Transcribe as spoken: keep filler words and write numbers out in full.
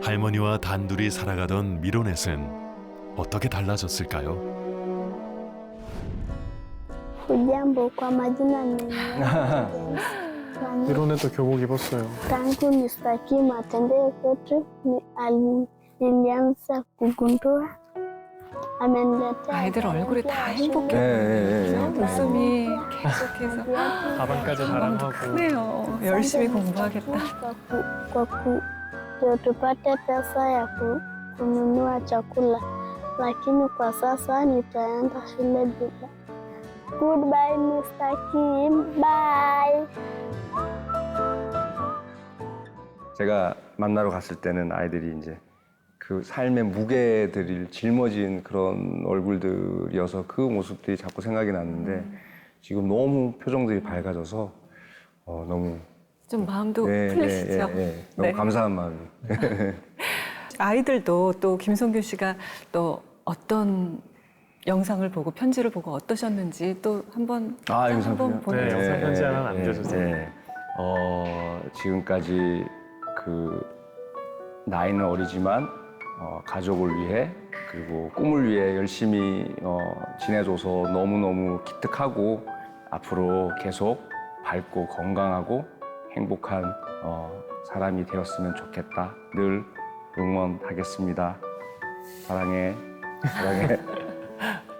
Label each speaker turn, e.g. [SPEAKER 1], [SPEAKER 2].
[SPEAKER 1] 할머니와 단둘이 살아가던 미로넷은 어떻게 달라졌을까요?
[SPEAKER 2] Hujambo, kwa majina ni
[SPEAKER 3] 미로넷도 교복 입었어요.
[SPEAKER 2] tangu nistaki matembeo kwetu ni- ali- nilianza kugundua ameniletea
[SPEAKER 4] 아이들 얼굴이 다 행복해
[SPEAKER 5] 예, 예, 예.
[SPEAKER 4] 보여요. 웃음이 계속해서
[SPEAKER 3] 가방까지
[SPEAKER 4] 가방도
[SPEAKER 3] 자랑하고.
[SPEAKER 4] 크네요. 열심히 공부하겠다.
[SPEAKER 2] kwa ku, kwa ku, ndio tupate pesa ya ku, kununua chakula, lakini kwa sasa nitaenda shule bila. Goodbye mister Kim, bye.
[SPEAKER 5] 제가 만나러 갔을 때는 아이들이 이제 그 삶의 무게들이 짊어진 그런 얼굴들이어서 그 모습들이 자꾸 생각이 났는데 지금 너무 표정들이 밝아져서 어, 너무
[SPEAKER 4] 좀 마음도
[SPEAKER 5] 예,
[SPEAKER 4] 풀리시죠?
[SPEAKER 5] 예, 예, 예. 너무
[SPEAKER 4] 네.
[SPEAKER 5] 감사한 마음이.
[SPEAKER 4] 아이들도 또 김성규 씨가 또 어떤 영상을 보고 편지를 보고 어떠셨는지 또 한번
[SPEAKER 5] 아, 영상
[SPEAKER 4] 한번
[SPEAKER 5] 편지?
[SPEAKER 4] 보내주세요.
[SPEAKER 3] 네, 영상 편지 하나
[SPEAKER 5] 예,
[SPEAKER 3] 남겨주세요.
[SPEAKER 5] 예. 어, 지금까지 그 나이는 어리지만 어, 가족을 위해 그리고 꿈을 위해 열심히 어, 지내줘서 너무너무 기특하고 앞으로 계속 밝고 건강하고 행복한 어, 사람이 되었으면 좋겠다. 늘 응원하겠습니다. 사랑해. 사랑해.